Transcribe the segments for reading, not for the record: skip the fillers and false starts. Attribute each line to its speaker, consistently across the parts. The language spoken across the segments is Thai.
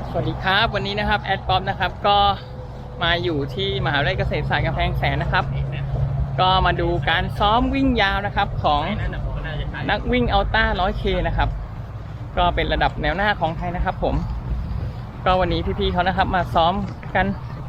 Speaker 1: สวัสดีครับวันนี้นะครับแอดป๊อปนะครับก็มาอยู่ที่มหาวิทยาลัยเกษตรศาสตร์กำแพงแสนนะครับก็มาดูการซ้อมวิ่งยาวนะครับของนักวิ่งอัลต้า 100K นะครับก็เป็นระดับแนวหน้าของไทยนะครับผมก็วันนี้พี่ๆเขานะครับมาซ้อมกัน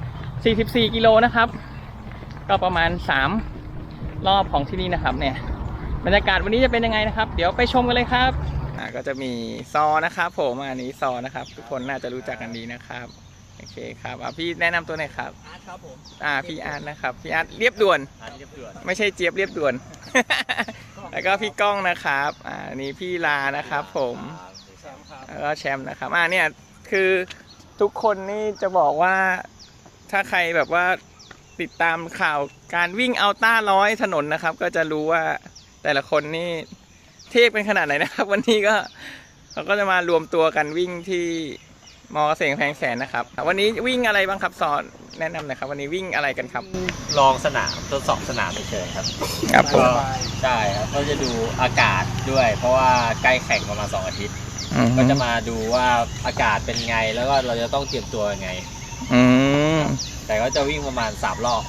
Speaker 1: 44กิโลนะครับก็ประมาณ3รอบของที่นี่นะครับเนี่ยบรรยากาศวันนี้จะเป็นยังไงนะครับเดี๋ยวไปชมกันเลยครับก็จะมีซอนะครับผมอันนี้ซอนะครับทุกคนน่าจะรู้จักกันดีนะครับโอเคครับพี่แนะนำตัวหน่อยครับ
Speaker 2: อาร์ตครับผม
Speaker 1: พี่อาร์ตนะครับพี่อาร์ตเรียบด่วนไม่ใช่เจี๊ยบเรียบด่วน แล้วก็พี่ก้องนะครับอันนี้พี่ลานะครับผมแล้วก็แชมป์นะครับเนี่ยคือทุกคนนี่จะบอกว่าถ้าใครแบบว่าติดตามข่าวการวิ่งอัลต้า100ถนนนะครับก็จะรู้ว่าแต่ละคนนี่เทพเป็นขนาดไหนนะครับวันนี้ก็เราก็จะมารวมตัวกันวิ่งที่มอเกษตรกำแพงแสนนะครับวันนี้วิ่งอะไรบ้างครับสอนแนะนำหน่อยครับวันนี้วิ่งอะไรกันครับ
Speaker 2: ลองสนามทดสอบสนามเฉยๆครับ
Speaker 1: ก็
Speaker 2: ใช่ครับก็จะดูอากาศด้วยเพราะว่าใกล้แข่งประมาณ2 อาทิตย์ก็จะมาดูว่าอากาศเป็นไงแล้วก็เราจะต้องเตรียมตัวยังไงแต่ก็จะวิ่งประมาณ3 รอบ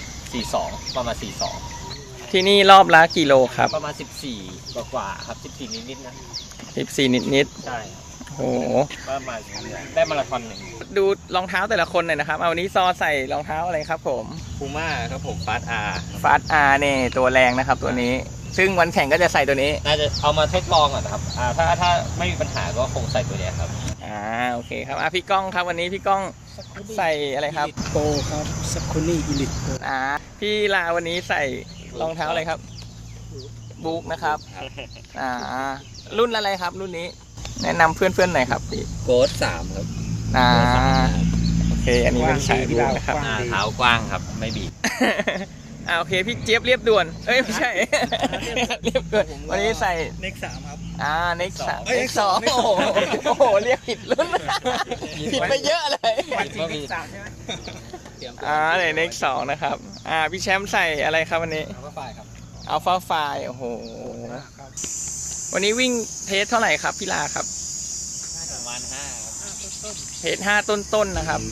Speaker 2: 42ประมาณ42
Speaker 1: ที่นี่รอบละกี่โลครับ
Speaker 2: ประมาณ14กว่าครับ14นิดๆนะ
Speaker 1: 14นิด
Speaker 2: ใช่
Speaker 1: โอ้โห
Speaker 2: ประมาณได้มาราธอน1
Speaker 1: ดูรองเท้าแต่ละคนหน่อยนะครับวันนี้ซอใส่รองเท้าอะไรครับผม
Speaker 2: พูม่าครับผมฟาส
Speaker 1: อาร์เนี่ยตัวแรงนะครับตัวนี้ซึ่งวันแข่งก็จะใส่ตัวนี้
Speaker 2: น่าจะเอามาทดลองก่อนนะครับถ้าไม่มีปัญหาก็คงใส่ตัวนี้ครับ
Speaker 1: โอเคครับพี่ก้องครับวันนี้พี่ก้องใส่อะไรครับ
Speaker 3: โกครับสักคุนี่อิลิท
Speaker 1: พี่ลาวันนี้ใส่รองเท้าอะไรครับบุ๊กนะครับรุ่นอะไรครับรุ่นนี้แนะนำเพื่อนๆหน่อยครับพี่
Speaker 2: โกด3ครับ
Speaker 1: โอเคอันนี้เป็นสายบุ๊กนะครับ
Speaker 2: เท้ากว้างครับไม่บีบ
Speaker 1: โอเคพี่เจี๊ยบเรียบด่วนไม่ใช่เรียบด่วนวันนี้ใส่
Speaker 3: เน็ก3ครับ
Speaker 1: เน็ก2โอ้โหเรียกผิดรุ่นผิดไปเยอะเลย
Speaker 3: เน็ก3ใช่ไหม
Speaker 1: เน็ก2นะครับพี่แชมป์ใส่อะไรครับวันนี้อัลฟาไฟโอ้โหวันนี้วิ่งเทสเท่าไหร่ครับพี่ลาครับ
Speaker 2: ประมาณ5ครับ
Speaker 1: เทส5ต้นๆนะครับ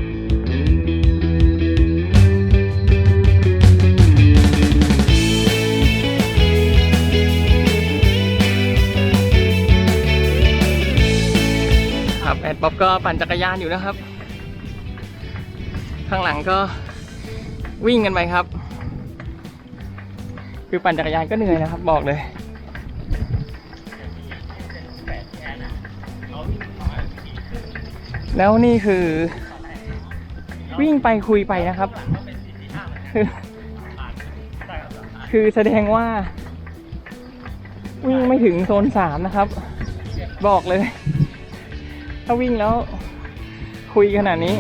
Speaker 1: แอดป๊อปก็ปั่นจักรยานอยู่นะครับข้างหลังก็วิ่งกันไปครับคือปั่นจักรยานก็เหนื่อยนะครับบอกเลยแล้วนี่คือวิ่งไปคุยไปนะครับคือแสดงว่าวิ่งไม่ถึงโซน3นะครับบอกเลยถ้าวิ่งแล้วคุยขนาดนี้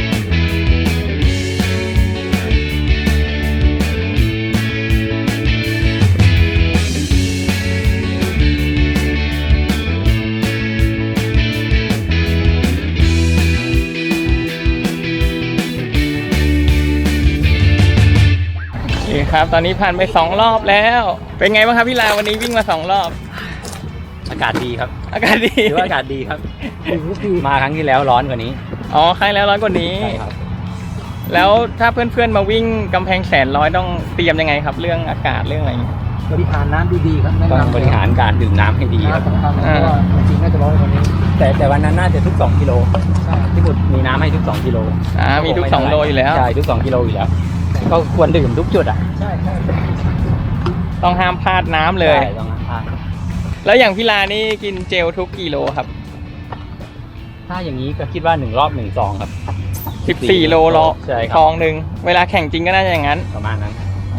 Speaker 1: โอเคครับตอนนี้ผ่านไป2 รอบแล้วเป็นไงบ้างครับพี่ลาวันนี้วิ่งมา2 รอบ
Speaker 2: อากาศดีครับ
Speaker 1: อากาศดี
Speaker 2: ถือว่าอากาศดีครับมาครั้งที่แล้วร้อนกว่านี้
Speaker 1: ครั้งแล้วร้อนกว่านี้
Speaker 2: ใช่ครับ
Speaker 1: แล้วถ้าเพื่อนๆมาวิ่งกำแพงแสน100ต้องเตรียมยังไงครับเรื่องอากาศเรื่องอะไร
Speaker 3: บริหารน้ำดีๆครับ
Speaker 2: ต้องบริหารการดื่มน้ำให้ดีครับ
Speaker 3: จริงน่าจะร้อนกว่านี้
Speaker 2: แต่วันนั้นน่าจะทุก2 กิโลที่บุตรมีน้ำให้ทุก2 กิโล
Speaker 1: มีทุก2 โลอยู่แล้ว
Speaker 2: ใช่ทุก2 กิโลอยู่แล้วก็ควรดื่มทุกจุด
Speaker 3: ใช่
Speaker 1: ต้องห้ามพลาดน้ำเลย
Speaker 2: ต้องห้ามพลาด
Speaker 1: แล้วอย่างพี่ลานี่กินเจลทุกกิโลครับ
Speaker 2: ถ้าอย่างนี้ก็คิดว่า1 รอบ1 ซองครับ
Speaker 1: 14 โลซองหนึ่งเวลาแข่งจริงก็น่าจะอย่างนั้น
Speaker 2: ประมาณนั้น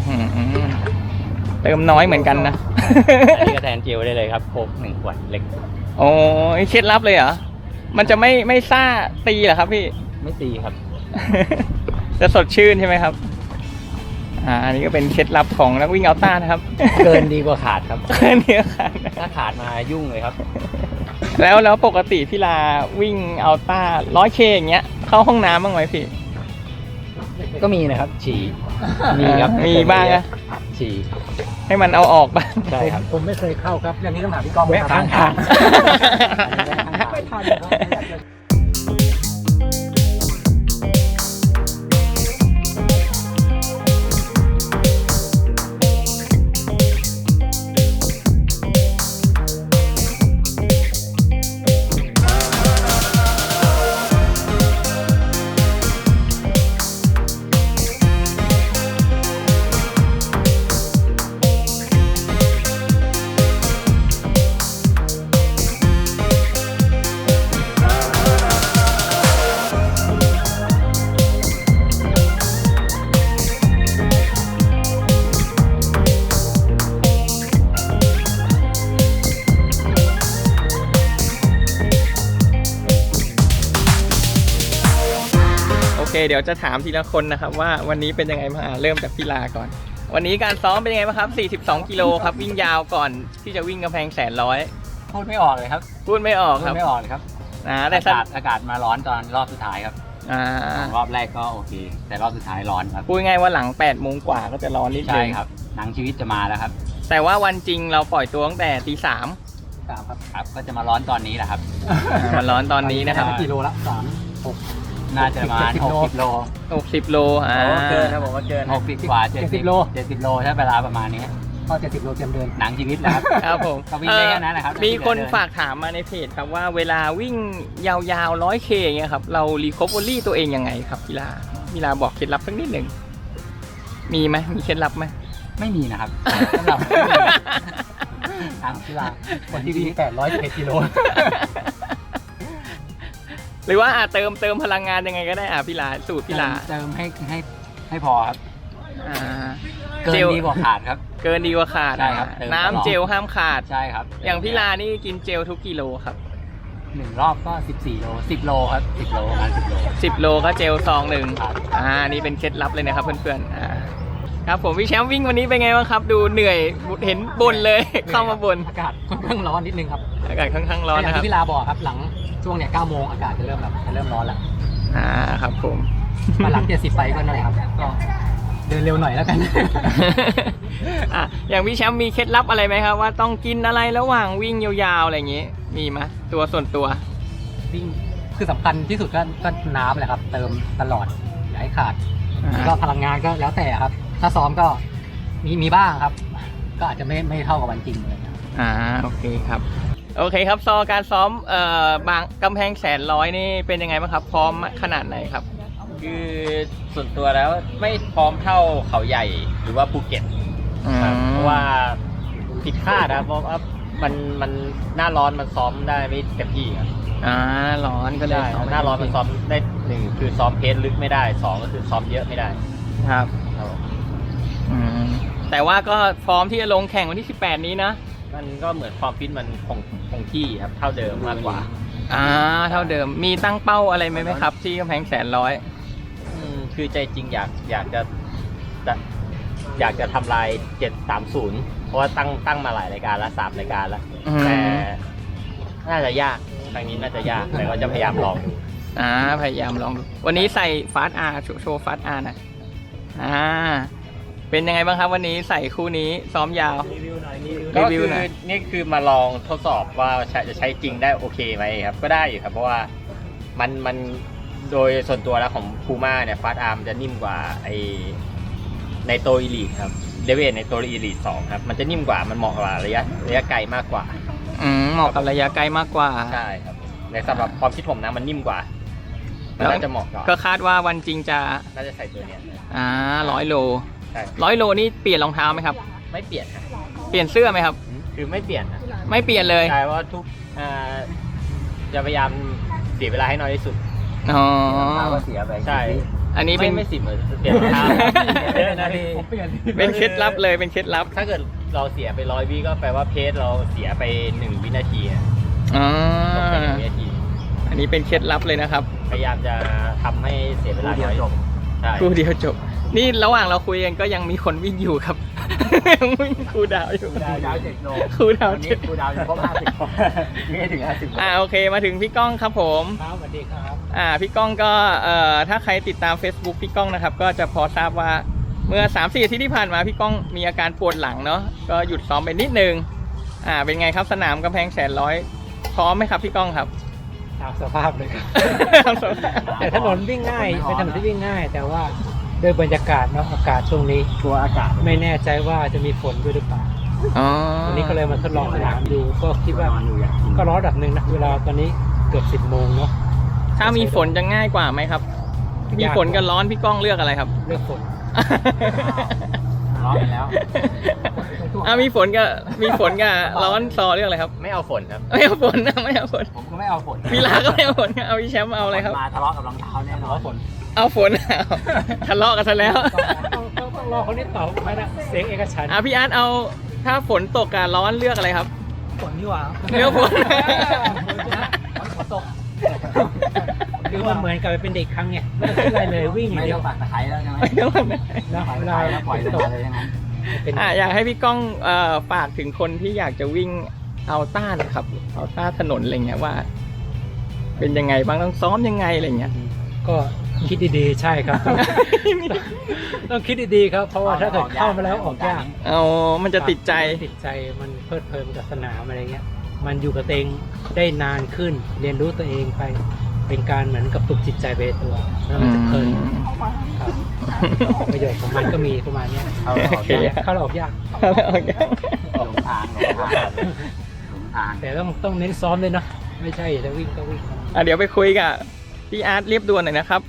Speaker 1: เติมน้อยเหมือนกันนะ
Speaker 2: อันนี้ก็แทนเจลได้เลยครับโค้ก1 ขวดเล็ก
Speaker 1: เคล็ดลับเลยเหรอมันจะไม่ซ่าตีเหรอครับพี่
Speaker 2: ไม่ตีครับ
Speaker 1: จะสดชื่นใช่ไหมครับอันนี้ก็เป็นเคล็ดลับของนักวิ่งอัลต้านะครับ
Speaker 2: เกินดีกว่าขาดครับ
Speaker 1: เกินดีกว่าขาด
Speaker 2: ถ้าขาดมายุ่งเลยครับ
Speaker 1: แล้วปกติพี่ลาวิ่งอัลต้า 100K อย่างเงี้ยเข้าห้องน้ำบ้างไหมพี่
Speaker 2: ก็มีนะครับฉี่มีครับ
Speaker 1: มีบ้างนะ
Speaker 2: ฉี่
Speaker 1: ให้มันเอาออกบ้าง
Speaker 2: ใช่ครับ
Speaker 3: ผมไม่เคยเข้าครับอย่างนี้ต้องถามพี่กอง
Speaker 2: แวะข้างทาง
Speaker 3: ไม่ทัน
Speaker 1: เดี๋ยวจะถามทีละคนนะครับว่าวันนี้เป็นยังไงบ้างเริ่มจากพี่ลาก่อน วันนี้การซ้อมเป็นยังไงบ้างครับ42กิโลครับวิ่งยาวก่อนที่จะวิ่งกำแพงแสนร้อย
Speaker 4: พูดไม่ออกเลยครับ
Speaker 1: พูดไม่ออก
Speaker 4: พู
Speaker 1: ค
Speaker 4: ด
Speaker 1: รับ
Speaker 4: ไม่ออกเลยครับ
Speaker 1: แต่
Speaker 4: อากาศมาร้อนตอนรอบสุดท้ายครับ รอบแรกก็โอเค แต่รอบสุดท้ายร้อนครับ
Speaker 1: พูดง่ายว่าหลัง8 โมงกว่าก็จะร้อนนิดนึ
Speaker 4: ใช่
Speaker 1: ง
Speaker 4: ครับหนังชีวิตจะมาแล้วครับ
Speaker 1: แต่ว่าวันจริงเราปล่อยตัวตั้งแต่ตี 3
Speaker 4: ครับก็จะมาร้อนตอนนี้แหละครับ
Speaker 1: มันร้อนตอนนี้นะครับ
Speaker 3: กิโลละ
Speaker 4: น่าจะประมาณ60 โล
Speaker 1: 60 โล
Speaker 2: เกินครับผมว่าเกิน
Speaker 4: 60 กว่า 70 โล 70 โลถ้าเวลาประมาณนี้
Speaker 3: ก็70 โลเตรียมเดิน
Speaker 4: หนังชีวิตแหละครับ
Speaker 1: ครับผม
Speaker 4: ก็วิ่งได้แค่นั้นแหละครับ
Speaker 1: มีคนฝากถามมาในเพจครับว่าเวลาวิ่งยาวๆ 100K อย่างเงี้ยครับเรารีคอเวอรี่ตัวเองยังไงครับพี่ลาบอกเคล็ดลับสักนิดหนึ่งมีไหมมีเคล็ดลับไหม
Speaker 4: ไม่มีนะครับสำหรับทางกีฬา
Speaker 3: คนที่วิ่ง811กิโล
Speaker 1: หรือว่าเติมพลังงานยังไงก็ได้พี่ลาสูตรพี่ลา
Speaker 4: เติมให้พอครับ เกิน
Speaker 1: เจล
Speaker 4: ดีกว่าขาดครับ
Speaker 1: เกินดีกว่าขาด
Speaker 4: ใช่ครับเติมตลอด
Speaker 1: น้ำเจลห้ามขาด
Speaker 4: ใช่ครับ
Speaker 1: อย่างพี่ลานี่กินเจลทุกกิโลครับ
Speaker 4: 1 รอบก็14 โล 10 โลครับ 10 โลประมาณ10 โล
Speaker 1: 10 โลก็เจลซองหนึ่ง
Speaker 4: ครับ
Speaker 1: นี่เป็นเคล็ดลับเลยนะครับเพื่อนๆครับผมพี่แชมป์วิ่งวันนี้เป็นไงบ้างครับ ดูเหนื่อยเห็นบ่นเลย เข้ามาบ่น
Speaker 3: อากาศค่อนข้างร้อนนิดนึงครับ
Speaker 1: อากาศค่อนข้างร้อน
Speaker 3: อย่าง
Speaker 1: นะครับ
Speaker 3: ที่พี่ลาบอกครับหลังช่วงเนี่ย9 โมงอากาศจะเริ่มร้อนแล้ว
Speaker 1: ครับผม
Speaker 3: มาหลัง70ไปก็นั่นแหละครับก็เดินเร็วหน่อยแล้วกัน
Speaker 1: อย่างพี่แชมป์มีเคล็ดลับอะไรไหมครับว่าต้องกินอะไรระหว่างวิ่งยาวๆอะไรอย่างงี้มีไหมตัวส่วนตัว
Speaker 3: วิ่งคือสำคัญที่สุดก็น้ำแหละครับ เติมตลอดอย่าให้ขาดก็พลังงานก็แล้วแต่ครับ ถ้าซ้อมก็มีบ้างครับ ก็อาจจะไม่เท่ากับวันจริงเลย
Speaker 1: โอเคครับโอเคครับการซ้อมบางกำแพงแสนร้อยนี่เป็นยังไงบ้างครับพร้อมขนาดไหนครับ
Speaker 2: คือส่วนตัวแล้วไม่พร้อมเท่าเขาใหญ่หรือว่าภูเก็ตครับเพราะว่าผิดคาดนะเพราะว่ามันหน้าร้อนมันซ้อมได้ไม่เต็มที่ครับ
Speaker 1: ร้อนก็เลย
Speaker 2: ใช่หน้าร้อนมันซ้อมได้1คือซ้อมเพสลึกไม่ได้2ก็คือซ้อมเยอะไม่ได้
Speaker 1: ครับ
Speaker 2: ครับผม
Speaker 1: แต่ว่าก็พร้อมที่จะลงแข่งวันที่18นี้นะ
Speaker 2: มันก็เหมือนความฟิตมันคงที่ครับเท่าเดิมมากกว่า
Speaker 1: เท่าเดิมมีตั้งเป้าอะไรไหมครับที่กำแพงแสนร้อย
Speaker 2: คือใจจริงอยากจะทำลาย730เพราะว่าตั้งมาหลายรายการแล้ว3รายการแล้วแต่น่าจะยากครั้งนี้น่าจะยากแต่ก็จะพยายามลองดู
Speaker 1: พยายามลองดูวันนี้ใส่ฟาสอาร์โชว์ฟาสอาร์นะเป็นยังไงบ้างครับวันนี้ใส่คู่นี้ซ้อมยาว
Speaker 2: ก็คือนี่คือมาลองทดสอบว่าจะใช้จริงได้โอเคไหมครับก็ได้อยู่ครับเพราะว่ามันโดยส่วนตัวแล้วของพูม่าเนี่ยฟาสอาร์มจะนิ่มกว่าในโตอีลีทครับเดเวทในโตอีลีท2ครับมันจะนิ่มกว่ามันเหมาะกับระยะไกลมากกว่า
Speaker 1: เหมาะกับระยะไกลมากกว่า
Speaker 2: ใช่ครับในสำหรับความคิดผมนะมันนิ่มกว่าน่าจะเหมาะกว่า
Speaker 1: ก็คาดว่าวันจริงจะ
Speaker 2: น่าจะใส่ตัวเนี้ย
Speaker 1: 100 โล
Speaker 2: ใช่
Speaker 1: 100 โลนี่เปลี่ยนรองเท้าไหมครับ
Speaker 2: ไม่เปลี่ยนครับ
Speaker 1: เปลี่ยนเสื้อไหมครับ
Speaker 2: คือไม่เปลี่ยนนะ
Speaker 1: ไม่เปลี่ยนเลย
Speaker 2: ใช่ว่าทุกจะพยายามเสียเวลาให้น้อยที่สุด
Speaker 3: ก็เสียไป
Speaker 2: ใช่
Speaker 1: อันนี้เป็น
Speaker 2: ไม่10เลยเปลี่ยนรองเท้าเยอะนะพี่
Speaker 1: เป็นเคล็ดลับเลยเป็นเคล็ดลับ
Speaker 2: ถ้าเกิดเราเสียไป100 วิก็แปลว่าเพจเราเสียไป1 วินาทีอะตกไป1 วินาที
Speaker 1: อันนี้เป็นเคล็ดลับเลยนะครับ
Speaker 2: พยายามจะทำให้เสียเวลาน้อยใช่
Speaker 1: คู่เดียวจบ นี่ระหว่างเราคุยกันก็ยังมีคนวิ่งอยู่ครับ ยังวิ่งคูลดาวน์อยู่
Speaker 3: ดาว7 โล
Speaker 1: คูลดาวน์
Speaker 3: วันนี้คูลดาวน์อยู่ครบ50ไม่ถึง50
Speaker 1: โอเคมาถึงพี่ก้องครับผม
Speaker 3: ครับสวัสดีครับ
Speaker 1: พี่ก้องก็ถ้าใครติดตาม Facebook พี่ก้องนะครับก็จะพอทราบว่าเมื่อ 3-4 อาทิตย์ที่ผ่านมาพี่ก้องมีอาการปวดหลังเนาะก็หยุดซ้อมไปนิดนึงเป็นไงครับสนามกำแพงแสนร้อยพร้อมไหมครับพี่ก้องครับ
Speaker 3: ตามสภาพเลยครับ แต่ถนนวิ่งง่ายเป็นถนนที่วิ่งง่าย แต่ว่าด้วยบรรยากาศเนาะอากาศช่วงนี้ตัวอากาศไม่แน่ใจว่าจะมีฝนด้วยหรือเปล่าวันนี้ก็เลยมาทดลองสนามดูก็คิดว่าก็ร้อนระดับหนึ่งนะเวลาตอนนี้เกือบ10 โมงเนาะ
Speaker 1: ถ้ามีฝนจะง่ายกว่าไหมครับ มีฝนกับร้อนพี่ก้องเลือกอะไรครับ
Speaker 3: เลือกฝน ร้อนไปแล้ว
Speaker 1: มีฝนกับร้อนซอเลือกอะไรครับ
Speaker 2: ไม่เอาฝนครับ
Speaker 1: ไม่เอาฝนนะไม่เอาฝน
Speaker 3: ผมก็ไม่เอาฝน
Speaker 1: พี่ลาก็ไม่เอาฝนเอาพี่แชมป์เอาอะไรครับ
Speaker 3: มาทะเลาะกับรองเท้าแน่นอนฝน
Speaker 1: เอาฝนทะเลาะกันซะแล้ว
Speaker 3: ต้องรอคนนี้ตอบไม่นะเสียงเอกฉันท์
Speaker 1: พี่อาร์ตเอาถ้าฝนตกกับร้อนเลือกอะไรครับ
Speaker 3: ฝนดีกว่า
Speaker 1: เลือกฝน
Speaker 3: ฝนตก
Speaker 1: อ
Speaker 3: คือมันเหมือนกับเป็นเด็กครั้งไงไม่ต้องคิดอะไรเลยวิ่งอย่าง
Speaker 4: ไม่
Speaker 3: เดี
Speaker 4: ต้
Speaker 3: ย
Speaker 4: อ
Speaker 3: ว
Speaker 4: งปักตะไคร้แล้วใช่ไหม
Speaker 1: ไม่ต้องเลย
Speaker 3: นะเวลา
Speaker 4: แล้วปล่อยเลยเลยทั้งนั้น
Speaker 3: เป็น
Speaker 1: อยากให้พี่ก้องฝากถึงคนที่อยากจะวิ่งอัลต้านะครับอัลต้าถนนอะไรเงี้ยว่า เป็นยังไงบ้างต้องซ้อมยังไงอะไรเงี้ย
Speaker 3: ก็คิดดีๆใช่ครับ ต้องคิดดีๆครับเพราะว่าถ้าเกิดเข้ามาแล้วออกยาก
Speaker 1: เอามันจะติดใจ
Speaker 3: ติดใจมันเพลิดเพลินกับสนามอะไรเงี้ยมันอยู่กับตัวเองได้นานขึ้น เรียนรู้ตัวเองไปเป็นการเหมือนกับปลุกจิตใจไปในตัวแล้วมันจะเพลินครับประโยชน์ของมันก็มีประมาณเนี้ย
Speaker 4: เข้าแล้วออกยาก
Speaker 3: เข้าเราออกยาก
Speaker 4: หลงทางหลงทาง
Speaker 3: แต่ต้องเน้นซ้อมด้วยเนาะไม่ใช่จะวิ่งก็วิ่ง
Speaker 1: เดี๋ยวไปคุยกับพี่อาร์ตเรียบด่วนหน่อยนะครับ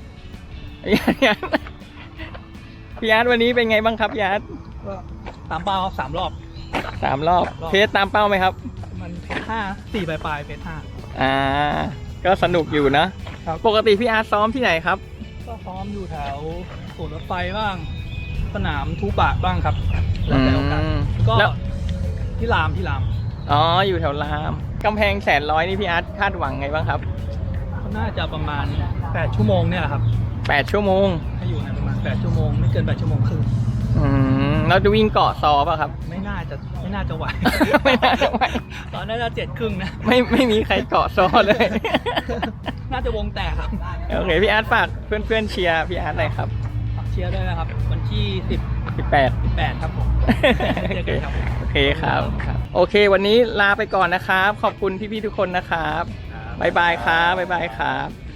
Speaker 1: พี่อาร์ตวันนี้เป็นไงบ้างครับพี่อาร์ต
Speaker 5: ก็ตามเป้าครับ3 รอบ
Speaker 1: 3 รอบเพจตามเป้าไหมครับ
Speaker 5: มันเพจ5 4ปลายเพจ5
Speaker 1: ก็สนุกอยู่นะครับ ปกติพี่อาร์ตซ้อมที่ไหนครับ
Speaker 5: ก็ซ้อมอยู่แถวสวนรถไฟบ้าง สนามทูปะบ้างครับ แล้วแต่โอกาสก็
Speaker 1: แล้ว
Speaker 5: ที่ราม
Speaker 1: อ๋ออยู่แถวรามกำแพง100นี่พี่อาร์ตคาดหวังไงบ้างครับ
Speaker 5: ก็น่าจะประมาณ8 ชั่วโมงเนี่ยแหละครับ
Speaker 1: 8 ชั่วโมง
Speaker 5: ให้อยู่ในประมาณ8 ชั่วโมงไม่เกิน8 ชั่วโมงครึ่ง
Speaker 1: เราจะวิ่งเกาะซอป่ะครับ
Speaker 5: ไม่น่าจะไหว
Speaker 1: ไม่น่าจะไหว
Speaker 5: ตอนน่าจะ7 ครึ่งนะ
Speaker 1: ไม่มีใครเกาะซอเลย
Speaker 5: น่าจะวงแตกครับ
Speaker 1: โอเคพี่อาร์ตฝากเพื่อนๆเชียร์พี่อาร์ตหน่อยครับ
Speaker 5: ฝากเชียร์ด้วยนะครับ วันที่
Speaker 1: 18
Speaker 5: 18 ครับผมเจอกันครับ
Speaker 1: โอเคครับ โอเค วันนี้ลาไปก่อนนะครับ ขอบคุณพี่ๆทุกคนนะครับบ๊ายบายครับบ๊ายบายครับ